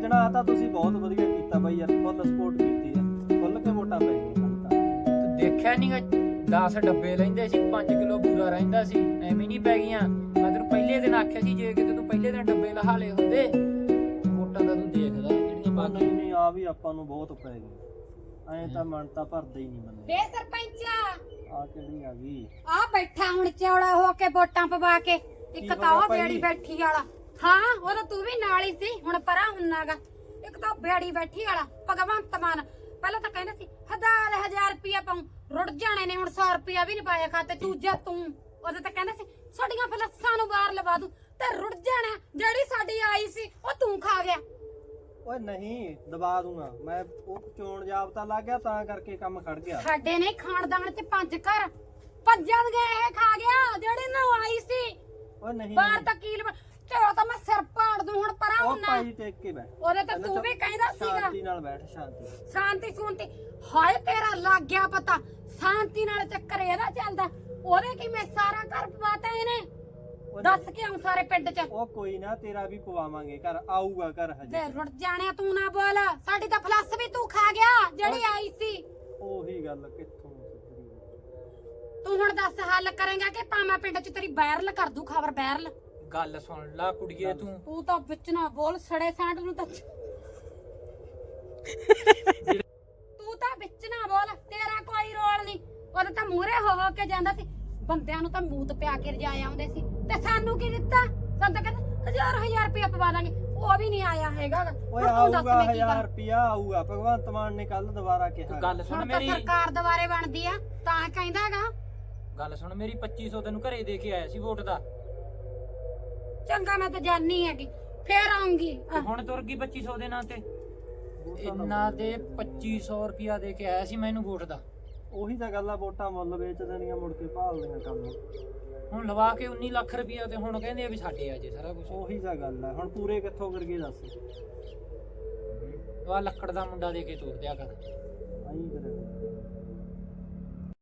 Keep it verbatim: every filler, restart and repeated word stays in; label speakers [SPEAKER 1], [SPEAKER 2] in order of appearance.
[SPEAKER 1] ਸੱਜਣਾ ਤਾਂ ਤੁਸੀਂ ਬਹੁਤ ਵਧੀਆ ਕੀਤਾ ਬਾਈ ਯਾਰ, ਫੁੱਲ ਸਪੋਰਟ ਕੀਤੀ ਆ, ਖੁੱਲ ਕੇ ਵੋਟਾਂ ਪੈ ਗਈਆਂ ਸਾਨੂੰ ਤਾਂ।
[SPEAKER 2] ਤੂੰ ਦੇਖਿਆ ਨੀ ਦਸ ਡੱਬੇ ਲੈਂਦੇ ਸੀ, ਪੰਜ ਕਿਲੋ ਬੂਰਾ ਰਹਿੰਦਾ ਸੀ, ਐਵੇਂ ਨਹੀਂ ਪੈ ਗਈਆਂ। ਮੈਂ ਤੈਨੂੰ ਪਹਿਲੇ ਦਿਨ ਆਖਿਆ ਸੀ ਜੇ ਕਿਤੇ ਤੂੰ ਪਹਿਲੇ ਦਿਨ ਡੱਬੇ ਲਹਾ ਲਏ ਹੁੰਦੇ ਵੋਟਾਂ ਦਾ ਤੂੰ ਦੇਖਦਾ ਜਿਹੜੀਆਂ
[SPEAKER 1] ਉਹ
[SPEAKER 2] ਬਾਕੀ।
[SPEAKER 1] ਨਹੀਂ ਨਹੀਂ ਆ ਵੀ ਆਪਾਂ ਨੂੰ ਬਹੁਤ ਪੈ ਗਈ, ਐਂ ਤਾਂ ਮਨ ਤਾਂ ਭਰਦਾ ਹੀ ਨਹੀਂ ਮੰਨੇ।
[SPEAKER 3] ਵੇ ਸਰਪੰਚਾ
[SPEAKER 1] ਆ ਕਿਹੜੀ ਆ ਗਈ?
[SPEAKER 3] ਆ ਬੈਠਾ ਹੁਣ ਚੌੜਾ ਹੋ ਕੇ ਵੋਟਾਂ ਪਵਾ ਕੇ, ਇੱਕ ਤਾਂ ਉਹ
[SPEAKER 1] ਭਾਈ?
[SPEAKER 3] ਬੇੜੀ ਬੈਠੀ ਵਾਲਾ, ਹਾਂ ਉਹ ਤਾਂ ਤੂੰ ਵੀ ਨਾਲ ਹੀ ਸੀ, ਹੁਣ ਪਰਾਂ ਹੁੰਨਾਗਾ। ਇੱਕ ਤਾਂ ਬੇੜੀ ਬੈਠੀ ਵਾਲਾ ਭਗਵੰਤ ਮਾਨ, ਪਹਿਲਾਂ ਤਾਂ ਕਹਿੰਦਾ ਸੀ ਹਜ਼ਾਰ ਹਜ਼ਾਰ ਰੁਪਇਆ ਪਾਉ, ਰੁੜ ਜਾਣੇ ਨੇ, ਹੁਣ ਸੌ ਰੁਪਇਆ ਵੀ ਨਹੀਂ ਪਾਇਆ ਖਾਤੇ। ਦੂਜਾ ਤੂੰ ਉਹਦੇ ਤਾਂ ਕਹਿੰਦਾ ਸੀ ਸਾਡੀਆਂ ਫਲੱਸਾਂ ਨੂੰ ਬਾਹਰ ਲਵਾ ਦੂੰ, ਤੇ ਰੁੜ ਜਾਣਾ ਜਿਹੜੀ ਸਾਡੀ ਆਈ ਸੀ ਉਹ ਤੂੰ ਖਾ ਗਿਆ।
[SPEAKER 1] ਓਏ ਨਹੀਂ ਦਬਾ ਦੂੰਗਾ ਮੈਂ, ਉਹ ਚੋਣ ਜਾਬਤਾ ਲੱਗ ਗਿਆ ਤਾਂ ਕਰਕੇ ਕੰਮ ਖੜ ਗਿਆ।
[SPEAKER 3] ਸਾਡੇ ਨੇ ਖਾਨਦਾਨ ਚ ਪੰਜ ਘਰ ਭੱਜਣ ਗਏ, ਇਹ ਖਾ ਗਿਆ ਜਿਹੜੀ ਨਾ ਆਈ ਸੀ।
[SPEAKER 1] ਓਏ ਨਹੀਂ
[SPEAKER 3] ਬਾਹਰ ਤਾਂ ਕੀਲ ਤੇ ਉਹ ਤਾਂ ਮੈਂ ਸਿਰ ਪਾੜ ਦੂੰ, ਹੁਣ ਪਰਾਂ
[SPEAKER 1] ਉਹ
[SPEAKER 3] ਹੁੰਨਾ।
[SPEAKER 1] ਭਾਈ ਟੇਕ ਕੇ ਬੈਠ,
[SPEAKER 3] ਉਹਦੇ ਤਾਂ ਤੂੰ ਵੀ ਕਹਿੰਦਾ ਸੀਗਾ
[SPEAKER 1] ਸ਼ਾਂਤੀ ਨਾਲ ਬੈਠ, ਸ਼ਾਂਤੀ।
[SPEAKER 3] ਸ਼ਾਂਤੀ ਸੁਣਤੀ, ਹਾਏ ਤੇਰਾ ਲੱਗ ਗਿਆ ਪਤਾ, ਸ਼ਾਂਤੀ ਨਾਲ ਚੱਕਰ ਇਹਦਾ ਚੱਲਦਾ। ਉਹਦੇ ਕੀ ਮੈਂ ਸਾਰਾ ਘਰ ਪਵਾਤਾ ਇਹਨੇ, ਦੱਸ ਕੇ ਆਉਂ ਸਾਰੇ ਪਿੰਡ ਚ।
[SPEAKER 1] ਉਹ ਕੋਈ ਨਾ ਤੇਰਾ ਵੀ ਪਵਾਵਾਂਗੇ, ਘਰ ਆਊਗਾ ਘਰ
[SPEAKER 3] ਤੇ
[SPEAKER 1] ਹਜੇ।
[SPEAKER 3] ਰੁੜ ਜਾਣਿਆ ਤੂੰ ਨਾ ਬੋਲ, ਸਾਡੀ ਤਾਂ ਫਲੱਸ ਵੀ ਤੂੰ ਖਾ ਗਿਆ ਜਿਹੜੀ ਆਈ ਸੀ।
[SPEAKER 1] ਉਹੀ ਗੱਲ ਕਿੱਥੋਂ ਸੁਧਰੀ?
[SPEAKER 3] ਤੂੰ ਹੁਣ ਦੱਸ ਹੱਲ ਕਰੇਂਗਾ ਕਿ ਭਾਵੇਂ ਪਿੰਡ ਚ ਤੇਰੀ ਵਾਇਰਲ ਕਰ ਦੂ ਖਬਰ, ਵਾਇਰਲ।
[SPEAKER 2] ਗੱਲ ਸੁਣ ਲਾ ਕੁੜੀਏ ਤੂੰ,
[SPEAKER 3] ਤੂੰ ਤਾਂ ਵਿੱਚ ਨਾ ਬੋਲ, ਸੜੇ ਸਾਂਢ ਨੂੰ ਤਾਂ ਤੂੰ ਤਾਂ ਵਿੱਚ ਨਾ ਬੋਲ, ਤੇਰਾ ਕੋਈ ਰੋਲ ਨਹੀਂ। ਉਹਦੇ ਤਾਂ ਮੂਹਰੇ ਹੋ ਹੋ ਕੇ ਜਾਂਦਾ ਸੀ, ਬੰਦਿਆਂ ਨੂੰ ਤਾਂ ਮੂਤ ਪਿਆ ਕੇ ਰਜਾ ਆਉਂਦੇ ਸੀ, ਤੇ ਸਾਨੂੰ ਕੀ ਦਿੱਤਾ? ਸਾਨੂੰ ਤਾਂ ਕਹਿੰਦਾ ਹਜ਼ਾਰ ਹਜ਼ਾਰ ਰੁਪਇਆ ਪਵਾ ਦਾਂਗੇ, ਉਹ ਵੀ ਨਹੀਂ ਆਇਆ ਹੈਗਾ।
[SPEAKER 1] ਓਏ
[SPEAKER 3] ਹੁਣ ਤੂੰ ਦੱਸ
[SPEAKER 1] ਆਊਗਾ
[SPEAKER 3] ਮੈਂ ਕੀ
[SPEAKER 1] ਹਜ਼ਾਰ
[SPEAKER 3] ਕਰਾਂ?
[SPEAKER 1] ਰੁਪਿਆ ਆਊਗਾ, ਭਗਵੰਤ ਮਾਨ ਨੇ ਕੱਲ ਦੁਬਾਰਾ ਕਿਹਾ।
[SPEAKER 2] ਤੂੰ ਗੱਲ ਸੁਣ
[SPEAKER 3] ਹੁਣ ਤਾਂ
[SPEAKER 2] ਮੇਰੀ,
[SPEAKER 3] ਸਰਕਾਰ ਦੁਬਾਰੇ ਬਣਦੀ ਆ ਤਾਂ ਕਹਿੰਦਾਗਾ।
[SPEAKER 2] ਗੱਲ ਸੁਣ ਮੇਰੀ, ਪੱਚੀ ਸੌ ਤੈਨੂੰ ਘਰੇ ਦੇ ਕੇ ਆਇਆ ਸੀ ਵੋਟ ਦਾ।
[SPEAKER 3] ਚੰਗਾ ਮੈਂ ਤਾਂ ਜਾਣੀ ਹੈਗੀ, ਫੇਰ ਆਉਂਗੀ।
[SPEAKER 2] ਤੇ ਹੁਣ ਤੁਰ ਗਈ ਪੱਚੀ ਸੌ ਦੇ ਨਾਂ ਤੇ। ਇਹਨਾਂ ਦੇ ਪੱਚੀ ਸੌ ਰੁਪਿਆ ਦੇ ਕੇ ਆਇਆ ਸੀ ਮੈਨੂੰ ਵੋਟ ਦਾ।
[SPEAKER 1] ਉਹੀ ਤਾਂ ਗੱਲ ਆ, ਵੋਟਾਂ ਮੁੱਲ ਵੇਚ ਦੇਣੀਆਂ, ਮੁੜ ਕੇ ਭਾਲ ਦੇਣਾ ਕੰਮ।
[SPEAKER 2] ਹੁਣ ਲਵਾ ਕੇ ਉੱਨੀ ਲੱਖ ਰੁਪਿਆ ਤੇ ਹੁਣ ਕਹਿੰਦੇ ਆ ਵੀ ਸਾਡੇ ਆ ਜੇ ਸਾਰਾ ਕੁਝ।
[SPEAKER 1] ਉਹੀ ਤਾਂ ਗੱਲ ਆ, ਹੁਣ ਪੂਰੇ ਕਿੱਥੋਂ ਕਰਗੇ ਦੱਸ?
[SPEAKER 2] ਆ ਲੱਕੜ ਦਾ ਮੁੰਡਾ ਦੇ ਕੇ ਤੋਰ ਦਿਆ ਕਰ।
[SPEAKER 1] ਆਈ ਕਰੇ